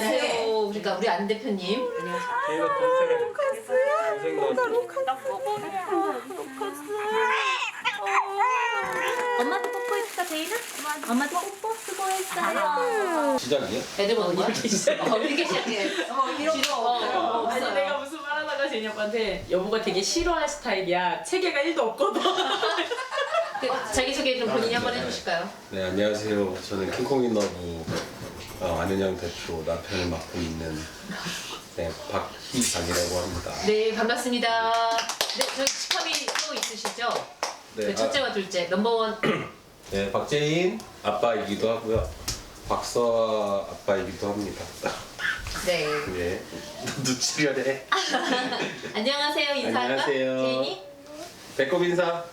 안녕하세요. 그러니까 우리 안 대표님. 제가 동생 엄마도 뽀뽀했어, 제인아? 엄마도 뽀뽀 수고했어요. 시작이야? 애들 보는 거야? 이렇게 시작해. 이런 거 없어요. 아니 없어요. 내가 무슨 말 하다가 제니 오빠한테 여보가 되게 싫어할 스타일이야. 체계가 1도 없거든. 자기소개 좀 본인이 한번 해주실까요? 네, 안녕하세요. 저는 킹콩인러브 안은영 대표 남편을 맡고 있는 박희상이라고 합니다. 네, 반갑습니다. 네, 저희 직함이 또 있으시죠? 그 첫째와 둘째, 넘버원. 네, 박재인 아빠이기도 하고요. 박서아 아빠이기도 합니다. 네. 네, 눈치를 해. 안녕하세요, 인사할까? 안녕하세요. 제인이? 배꼽 인사.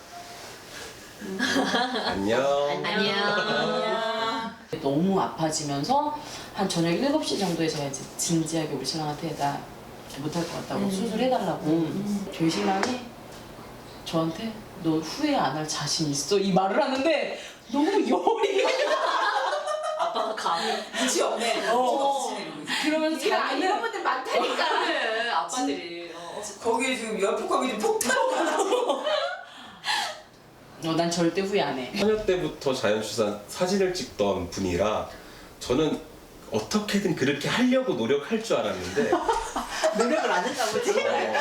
안녕. 안녕. 너무 아파지면서 한 저녁 7시 정도에 제가 이제 진지하게 우리 신랑한테 나 못할 것 같다고 수술해달라고 저희 신랑이 저한테 너 후회 안 할 자신 있어? 이 말을 하는데 너무 열이 아빠가 감이 눈치 없네. 그러면서 이런 자기는 분들 많다니까. 그래, 아빠들이. 거기에 지금 열폭하고 지금 폭탄 난 절대 후회 안 해. 처녀 때부터 자연출산 사진을 찍던 분이라 저는 어떻게든 그렇게 하려고 노력할 줄 알았는데 노력을 안 했나 보지?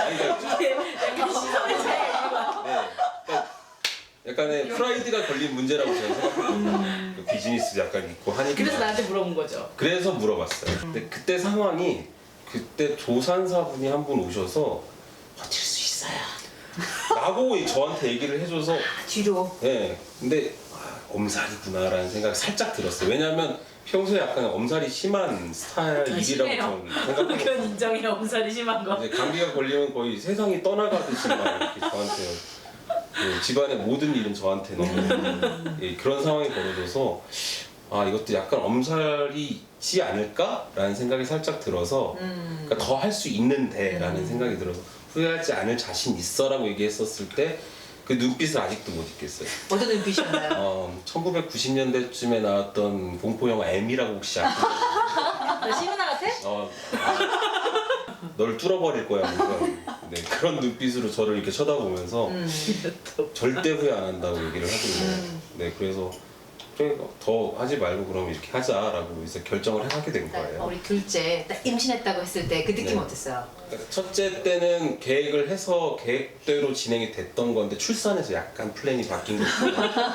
약간의 프라이드가 걸린 문제라고 저는 생각해요. 비즈니스 약간 있고 하니까. 그래서 나한테 물어본 거죠. 그래서 물어봤어요. 근데 그때 상황이 그때 조산사분이 한 분 오셔서 버틸 수 있어요 라고 저한테 얘기를 해줘서 뒤로. 네, 근데 엄살이구나라는 생각이 살짝 들었어요. 왜냐면 평소에 약간 엄살이 심한 스타일이라고 심해요. 저는 생각해요. 그건 인정해. 엄살이 심한 거. 이제 감기가 걸리면 거의 세상이 떠나가듯이 막 이렇게 저한테 집안의 모든 일은 저한테 너무 그런 상황이 벌어져서 이것도 약간 엄살이 있지 않을까라는 생각이 살짝 들어서 그러니까 더 할 수 있는데라는 생각이 들어서 후회하지 않을 자신 있어라고 얘기했었을 때 그 눈빛을 아직도 못 잊겠어요. 어떤 눈빛이었나요? 1990년대쯤에 나왔던 공포영화 M이라고 혹시 아세요? 나 시문아 같아? 널 뚫어버릴 거야. 네, 그런 눈빛으로 저를 이렇게 쳐다보면서 절대 후회 안 한다고 얘기를 하거든요. 네, 그래서 그래, 더 하지 말고 그럼 이렇게 하자라고 이제 결정을 하게 된 거예요. 우리 둘째 딱 임신했다고 했을 때 그 느낌 네. 어땠어요? 첫째 때는 계획을 해서 계획대로 진행이 됐던 건데 출산해서 약간 플랜이 바뀐 거죠.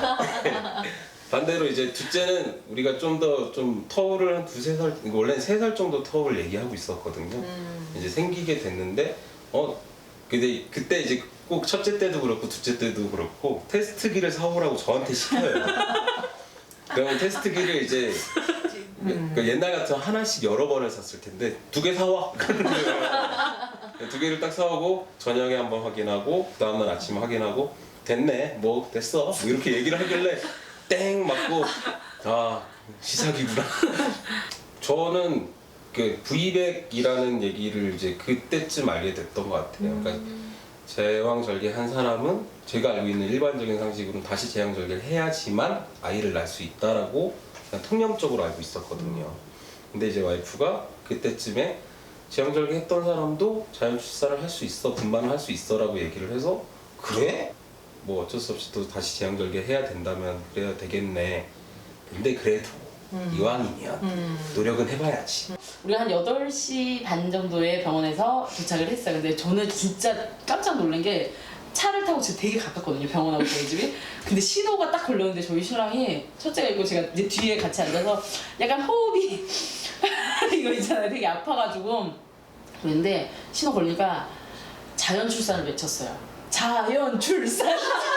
반대로 이제 둘째는 우리가 좀 더 터울을 한 2-3살, 원래는 3살 정도 터울 얘기하고 있었거든요. 이제 생기게 됐는데 근데 그때 이제 꼭 첫째 때도 그렇고 둘째 때도 그렇고 테스트기를 사오라고 저한테 시켜요. 그러면 테스트기를 이제 그 옛날 같으면 하나씩 여러 번을 샀을 텐데 2개 사와. 2개를 딱 사오고 저녁에 한번 확인하고 그 다음날 아침에 확인하고 됐네 뭐 됐어 뭐 이렇게 얘기를 하길래 땡 맞고 시사기구나. 저는 그 V백이라는 얘기를 이제 그때쯤 알게 됐던 것 같아요. 그러니까 제왕절개 한 사람은 제가 알고 있는 일반적인 상식으로는 다시 제왕절개를 해야지만 아이를 낳을 수 있다라고 그냥 통념적으로 알고 있었거든요. 근데 이제 와이프가 그때쯤에 제왕절개 했던 사람도 자연출산을 할 수 있어, 분만을 할 수 있어라고 얘기를 해서 그래? 뭐 어쩔 수 없이 또 다시 제왕절개 해야 된다면 그래야 되겠네. 근데 그래도 이왕이면 노력은 해봐야지. 우리가 한 8시 반 정도에 병원에서 도착을 했어요. 근데 저는 진짜 깜짝 놀란 게 차를 타고 진짜 되게 가깝거든요. 병원하고 저희 집이. 근데 신호가 딱 걸렸는데 저희 신랑이 첫째가 있고 제가 이제 뒤에 같이 앉아서 약간 호흡이 이거 있잖아요. 되게 아파가지고 그런데 신호 걸리니까 자연 출산을 외쳤어요. 자연 출산.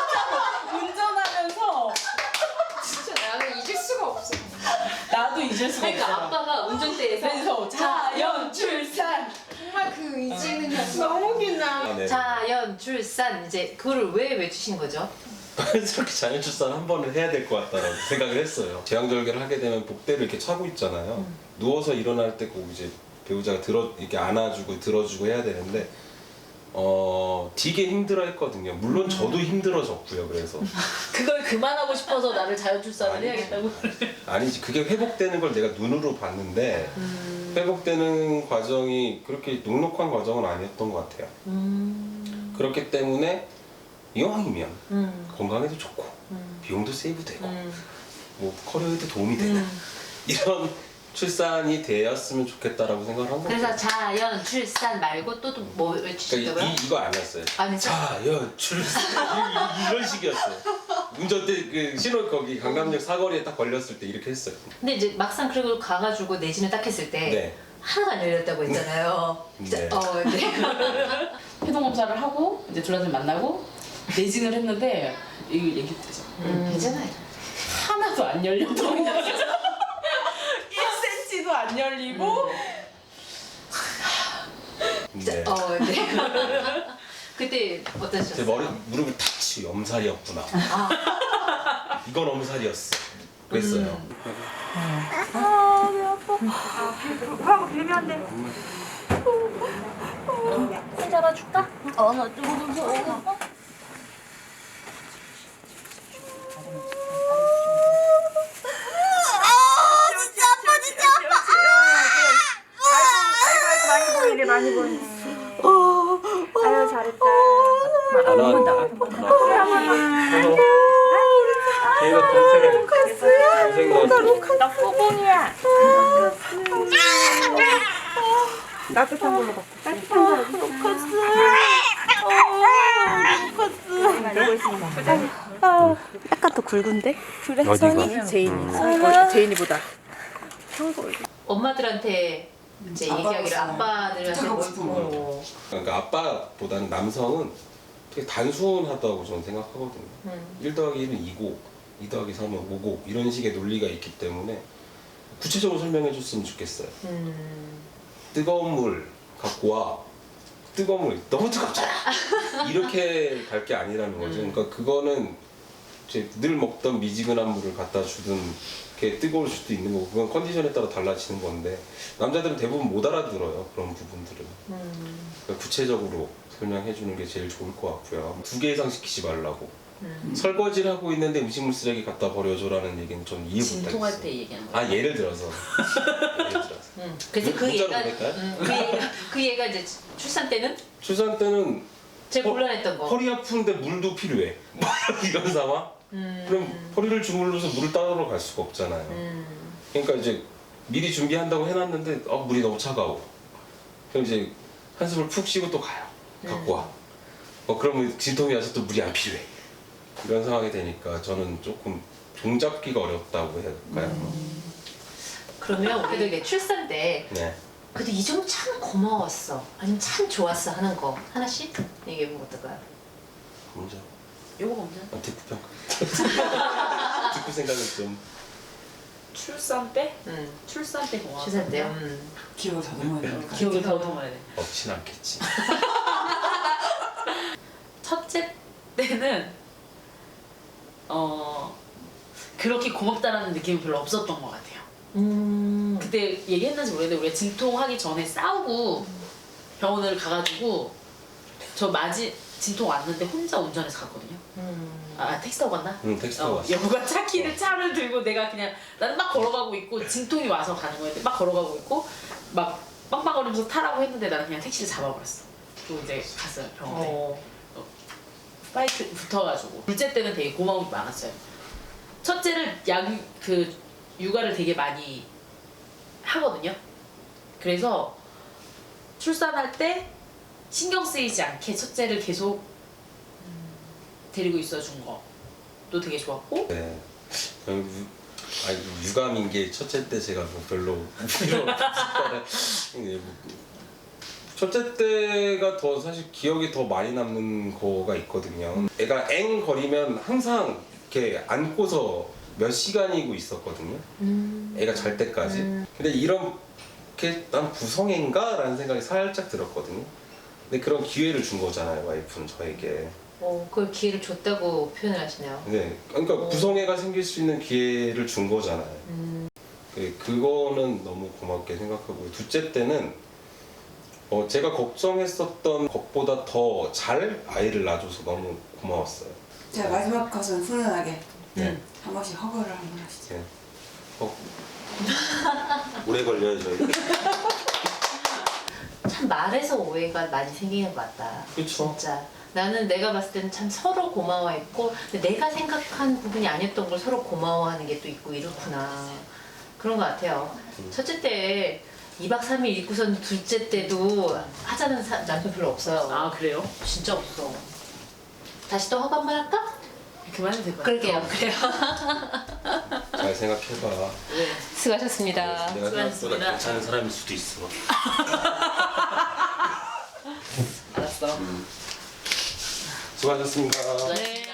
운전하면서 진짜 나는 잊을 수가 없어. 나도 잊을 수가 없어. 그러니까 아빠가 운전대에서 그래서 자연 출산. 정말 그 의지는 너무 긴나. 네. 자연 출산 이제 그거를 왜 외치신 거죠? 저렇게 자연출산 한 번은 해야 될 것 같다라고 생각을 했어요. 제왕절개를 하게 되면 복대를 이렇게 차고 있잖아요. 누워서 일어날 때 꼭 이제 배우자가 이렇게 안아주고 들어주고 해야 되는데 되게 힘들어했거든요. 물론 저도 힘들어졌고요. 그래서 그걸 그만하고 싶어서 나를 자연출산을 아니지. 해야겠다고. 아니지 그게 회복되는 걸 내가 눈으로 봤는데 회복되는 과정이 그렇게 녹록한 과정은 아니었던 것 같아요. 그렇기 때문에 이왕이면 건강에도 좋고 비용도 세이브되고 뭐 커리어에도 도움이 되는 이런 출산이 되었으면 좋겠다라고 생각을 한 거예요. 그래서 자연 출산 말고 또 뭐 외치시더라고요? 그러니까 이거 아니었어요. 아니죠? 자연 출산 이런 식이었어요. 운전대 그 신호 거기 강남역 사거리에 딱 걸렸을 때 이렇게 했어요. 근데 이제 막상 그리고 가가지고 내진을 딱 했을 때 네. 하나도 안 열렸다고 했잖아요. 진짜, 네. 네. 네. 해동 검사를 하고 이제 둘한테 만나고 내진을 했는데 이거 얘기했죠. 괜찮아요. 하나도 안 열렸던 거야. 1cm도 안 열리고 네. 네. 그때 제 어떠셨어요? 머리 무릎을 탁 치고 엄살이었구나. 이건 엄살이었어. 그랬어요. 손 잡아줄까? 나 조금 무서워. 많이 보이네. 아유 잘했다. 안 나왔다. 걔가 동생 나왔지. 나 꼬봉이야. 따뜻한 걸로 바꿔. 따뜻한 걸로. 루커스. 이러고 있습니다. 약간 더 굵은데? 그래? 어디가? 제인이보다. 엄마들한테 이제 얘기하기를 아빠들한테 부탁하고 싶은 거. 뭐 그러니까 아빠보다는 남성은 되게 단순하다고 저는 생각하거든요. 1 더하기 1은 2고 2 더하기 3은 5고 이런 식의 논리가 있기 때문에 구체적으로 설명해 줬으면 좋겠어요. 뜨거운 물 갖고 와. 뜨거운 물 너무 뜨겁잖아. 이렇게 갈 게 아니라는 거죠. 그러니까 그거는 이제 늘 먹던 미지근한 물을 갖다 주든 게 뜨거울 수도 있는 거고 그건 컨디션에 따라 달라지는 건데 남자들은 대부분 못 알아들어요. 그런 부분들은. 그러니까 구체적으로 설명해 주는 게 제일 좋을 것 같고요. 2개 이상 시키지 말라고. 설거지를 하고 있는데 음식물 쓰레기 갖다 버려줘라는 얘기는 좀 이해 못하겠어요. 진통할 때 얘기하는 거야. 아 예를 들어서. 예를 들어서. 그래서 그 문자로 얘가 보낼까요? 그 얘가 이제 출산 때는 출산 때는 제일 곤란했던 거. 허리 아픈데 물도 필요해. 이런 상황? 그럼 허리를 주물러서 물을 따러 갈 수가 없잖아요. 그러니까 이제 미리 준비한다고 해놨는데 물이 너무 차가워. 그럼 이제 한숨을 푹 쉬고 또 가요. 갖고 와. 그러면 진통이 와서 또 물이 안 필요해. 이런 상황이 되니까 저는 조금 종잡기가 어렵다고 해야 될까요? 그러면 그래도 이게 출산 때 네. 그래도 이 점은 참 고마웠어. 아니면 참 좋았어 하는 거 하나씩 얘기해보면 어떨까요? 먼저 요거 먼저. 듣고 평가. 듣고 생각을 좀. 출산 때? 응. 출산 때 고마워. 출산 때. 기억을 다듬어야 되니까. 기억을 더듬어야 돼. 없진 않겠지. 첫째 때는 그렇게 고맙다라는 느낌이 별로 없었던 것 같아요. 그때 얘기했는지 모르겠는데 우리가 진통하기 전에 싸우고 병원을 가가지고 저 진통 왔는데 혼자 운전해서 갔거든요. 택시 타고 갔나? 택시 타고 왔어. 여보가 차를 들고 내가 그냥 나는 막 걸어가고 있고 진통이 와서 가는 거였는데 막 걸어가고 있고 막 빵빵거리면서 타라고 했는데 나는 그냥 택시를 잡아버렸어. 또 이제 갔어요 병원에. 파이트 붙어가지고 둘째 때는 되게 고마운 게 많았어요. 첫째를 육아를 되게 많이 하거든요. 그래서 출산할 때 신경 쓰이지 않게 첫째를 계속 데리고 있어준 것도 되게 좋았고. 네. 유감인 게 첫째 때 제가 뭐 별로 필요 없었다는 첫째 때가 더 사실 기억이 더 많이 남는 거가 있거든요. 애가 엥 거리면 항상 이렇게 안고서 몇 시간이고 있었거든요. 애가 잘 때까지. 근데 이렇게 난 부성애인가? 라는 생각이 살짝 들었거든요. 근데 그런 기회를 준 거잖아요, 와이프는 저에게. 그걸 기회를 줬다고 표현을 하시네요. 네, 그러니까 부성애가 생길 수 있는 기회를 준 거잖아요. 그거는 너무 고맙게 생각하고 둘째 때는 제가 걱정했었던 것보다 더 잘 아이를 낳아줘서 너무 고마웠어요. 자 마지막 컷은 훈훈하게 네. 한 번씩 허거를 한번 하시죠. 네. 오래 걸려요 저희. 참 말에서 오해가 많이 생기는 것 같다. 그쵸. 진짜. 나는 내가 봤을 때는 참 서로 고마워했고 근데 내가 생각한 부분이 아니었던 걸 서로 고마워하는 게 또 있고 이렇구나. 그런 것 같아요. 첫째 때 2박 3일 있고선 둘째 때도 하자는 남편 별로 없어요. 아 그래요? 진짜 없어. 다시 또 허가 한번 할까? 그만해도 될 것 같아요. 그럴게요. 그래요. 잘 생각해봐. 네. 수고하셨습니다. 내가 생각보다 수고하셨습니다. 괜찮은 사람일 수도 있어. 알았어. 수고하셨습니다. 네.